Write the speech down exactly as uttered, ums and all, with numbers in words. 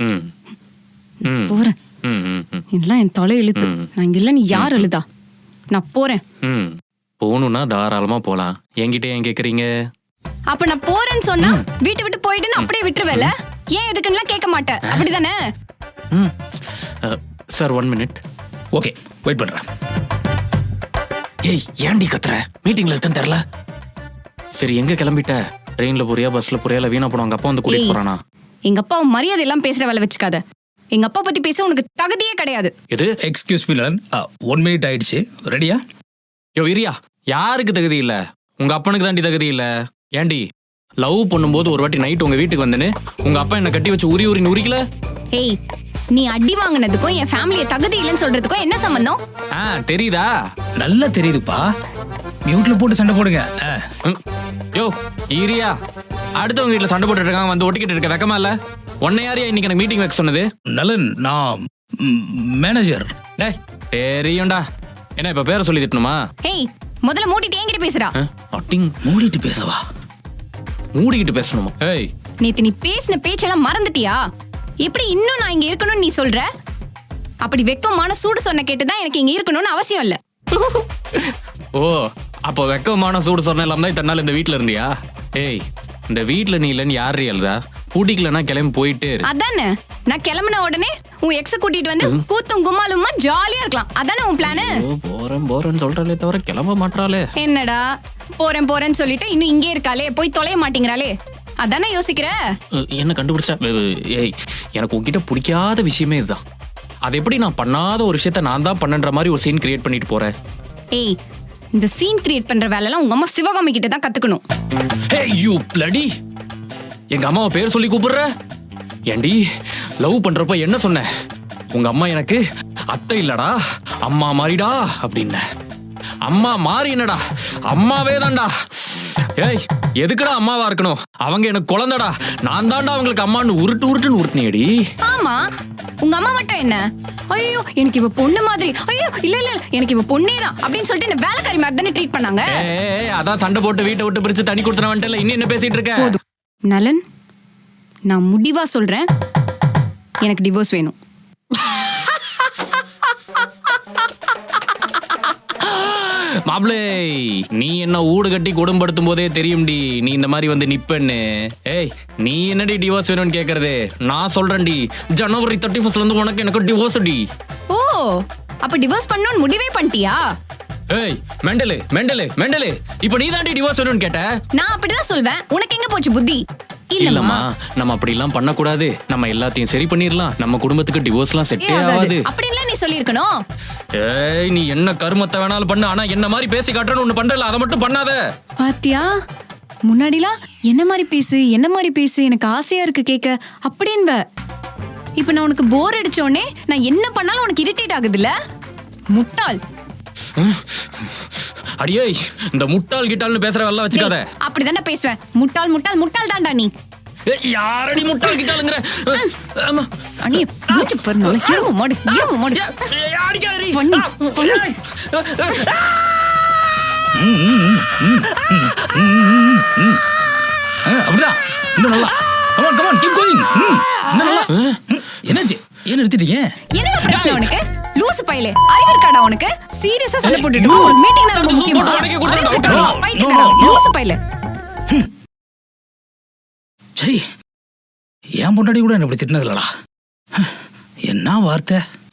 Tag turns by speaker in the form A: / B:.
A: ம் ம்
B: போறேன்.
A: ம் ம் ம்
B: இதெல்லாம் என் தலை இழுத்து. நான் இங்க இல்ல, நீ யார் எழுதா? நான் போறேன்.
A: ம் போகணும்னா தாராளமா போலாம். என்கிட்ட ஏன் கேக்குறீங்க?
B: அப்ப நான் போறேன்னு சொன்னா வீட்டை விட்டு போயிட்டு அப்படியே விட்டுருவேல? ஏன் எதுக்குன்னா கேட்க மாட்டேன், அப்படிதானே?
A: ம் sir one minute.
C: Okay, wait பண்றேன்.
A: ஏய் ஏன்டி கத்துற? மீட்டிங்ல இருக்கேன்னு தெரியல. சரி எங்க கிளம்பிட்ட? ட்ரெயின்ல போறியா, பஸ்ல போறியா, இல்ல வீணா போனவங்க அப்பா வந்து கூட்டிட்டு போறானா?
B: எங்க அப்பா மரியாதை எல்லாம் பேசுற வேலை வச்சுக்காத. எங்க அப்பா பத்தி பேச உனக்கு தகுதியே கிடையாது.
A: எது?
C: Excuse me Lalan, one minute ஆயிடுச்சு. ரெடியா?
A: யோ இரியா, யாருக்கு தகுதி இல்ல? உங்க அப்பனுக்கு தாண்டி தகுதி இல்ல. ஏண்டி லவ் பண்ணும்போது ஒரு வாட்டி நைட் உங்க வீட்டுக்கு வந்தேன்னு உங்க அப்பா என்ன கட்டி வச்சு உரி உரின்னு உரிக்கல?
B: ஏய், நீ அடி வாங்கினதுக்கும் என் ஃபேமிலிய தகுதி இல்லைன்னு சொல்றதுக்கும் என்ன சம்பந்தம்?
A: ஆ தெரியுதா?
C: நல்லா தெரியுதுப்பா. மியூட்ல போட்டு சண்டை போடுங்க.
A: ம். யோ ஈரியா, அடுத்தவங்க வீட்டுல சண்டை போட்டுட்டு இருக்காங்க, வந்து ஒட்டிக்கிட்டு இருக்க வெக்கமா இல்ல? உன்னை யாரையா இன்னைக்கு எனக்கு மீட்டிங் வைக்க சொன்னது?
C: நலன், நான் மேனேஜர்.
A: டேய் தெரியும்டா. என்ன இப்ப பேரை சொல்லி திட்டணுமா?
B: ஏய், முதல்ல மூடிட்டு என்கிட்ட பேசுறா.
A: அட்டிங்
C: மூடிட்டு பேசவா?
A: மூடிக்கிட்டு பேசணுமா? ஏய்
B: நேத்து நீ பேசின பேச்செல்லாம் மறந்துட்டியா? எப்படி இன்னும் நான் இங்க இருக்கணும்னு நீ சொல்ற? அப்படி வெக்கமான சூடு சொன்ன கேட்டுதான் எனக்கு இங்க இருக்கணும்னு அவசியம் இல்ல.
A: ஓ அப்போ வெக்கமான சூடு சொன்ன எல்லாம் தான் இத்தனை நாள் இந்த வீட்டுல இருந்தியா? ஏய் இந்த வீட்டுல நீ இல்லன்னு யாரு எழுதா? பூட்டிக்கலன்னா கிளம்பி போயிட்டே இரு.
B: அதானே, நான் கிளம்பின உடனே உன் எக்ஸ கூட்டிட்டு வந்து கூத்தும் கும்மாலுமா ஜாலியா இருக்கலாம். அதானே உன் பிளானு?
A: போறேன் போறேன்னு சொல்றாளே தவிர கிளம்ப மாட்டாளே.
B: என்னடா போறேன் போறேன்னு சொல்லிட்டு இன்னும் இங்கே இருக்காளே, போய் தொலைய மாட்டேங்கிறாளே, அதானே யோசிக்கிற?
A: என்ன கண்டுபிடிச்சா? ஏய் எனக்கு உன்கிட்ட பிடிக்காத விஷயமே இதுதான். அது எப்படி நான் பண்ணாத ஒரு விஷயத்த நான் தான் பண்ணன்ற மாதிரி ஒரு சீன் கிரியேட் பண்ணிட்டு போறேன்.
B: ஏய், இந்த சீன் கிரியேட் பண்ற வேலைலாம் உங்க அம்மா சிவகாமி கிட்ட தான் கத்துக்கணும்.
A: ஏய் யூ பிளடி, எங்க அம்மாவை பேர் சொல்லி கூப்பிடுற? ஏண்டி லவ் பண்றப்ப என்ன சொன்ன? உங்க அம்மா எனக்கு அத்தை இல்லடா அம்மா மாறிடா அப்படின்ன. அம்மா மாறி என்னடா, அம்மாவே தான்டா. ஏய் எதுக்குடா அம்மாவா இருக்கணும்? அவங்க எனக்கு குழந்தைடா, நான் தான்டா அவங்களுக்கு அம்மான்னு உருட்டு உருட்டுன்னு உருட்டுனியடி.
B: ஆமா, உங்க அம்மா மட்டும் என்ன, ஐயோ எனக்கு இவ பொண்ணு மாதிரி, ஐயோ இல்ல இல்ல எனக்கு இவ பொண்ணே தான் அப்படின்னு சொல்லிட்டு என்ன வேலைக்காரி மாதிரி தானே ட்ரீட் பண்ணாங்க.
A: ஏய் அதான் சண்டை போட்டு வீட்டை விட்டு பிரிச்சு தனி கொடுத்தன வந்துட்டல, இன்னும் என்ன பேசிட்டு இருக்க?
B: நலன், நான் முடிவா சொல்றேன், எனக்கு டிவோர்ஸ் வேணும்.
A: மாப்ளே, நீ என்ன ஊடு கட்டி குடும்பப்படுத்தும் போதே தெரியும்டி நீ இந்த மாதிரி வந்து நிப்பன்னு. ஏய் நீ என்னடி டிவோர்ஸ் வேணும்னு கேக்குறது? நான் சொல்றேன்டி, ஜனவரி தேர்ட்டி ஃபர்ஸ்ட்ல இருந்து உனக்கு எனக்கு டிவோர்ஸ் டி.
B: ஓ அப்ப டிவோர்ஸ் பண்ணணும்னு முடிவே பண்ணிட்டியா?
A: ஏய் மெண்டலு மெண்டலு மெண்டலு, இப்போ நீ தாண்டி டிவோர்ஸ் வேணும்னு கேட்ட.
B: நான் அப்படிதான் சொல்வேன், உனக்கு எங்க போச்சு புத்தி?
A: இல்லம்மா, நம்ம அப்படி எல்லாம் பண்ண கூடாது. நம்ம எல்லாத்தையும் சரி பண்ணிரலாம். நம்ம குடும்பத்துக்கு டிவோர்ஸ்லாம் செட்டே ஆகாது
B: அப்படின்லாம் நீ சொல்லிருக்கணும்.
A: ஏய் நீ என்ன கருமத்தை வேணாலும் பண்ணு, ஆனா என்ன மாதிரி பேசி காட்டறன்னு ஒண்ணு பண்றல, அத மட்டும் பண்ணாத.
B: பாத்தியா, முன்னாடிலாம் என்ன மாதிரி பேசு என்ன மாதிரி பேசு எனக்கு ஆசையா இருக்கு கேட்க அப்படின்ப. இப்ப நான் உனக்கு போர் அடிச்சோனே நான் என்ன பண்ணாலும் உனக்கு இரிட்டேட் ஆகுதுல்ல? முட்டாள்.
A: அடியே இந்த முட்டாள் கிட்டால்னு பேசுற வேலை வச்சுக்காத.
B: அப்படிதானே பேசுவேன், முட்டாள் முட்டாள் முட்டாள் தான்டா நீ.
A: யாரடி முட்டாள் கிட்டாலுங்கற?
B: சனி மூச்சு பர்னு இருமு மாடு இருமு மாடு
A: அடிக்காதடி
B: பண்ணி பண்ணி.
C: அப்படிதான் இன்னும் நல்லா. come on come on keep going. இன்னும் நல்லா. என்னாச்சு, ஏன் நிறுத்திட்டீங்க?
B: என்ன பிரச்சனை உனக்கு? லூசு பையலே, அறிவு இருக்காடா உனக்கு? சீரியஸா சண்டை போட்டுட்டு ஒரு மீட்டிங் நான் ரொம்ப முக்கியமா பைத்தியக்காரா லூசு பையலே.
C: சரி, என் பொண்டாடி கூட என்ன இப்படி திட்டினது இல்லடா. என்ன வார்த்தை?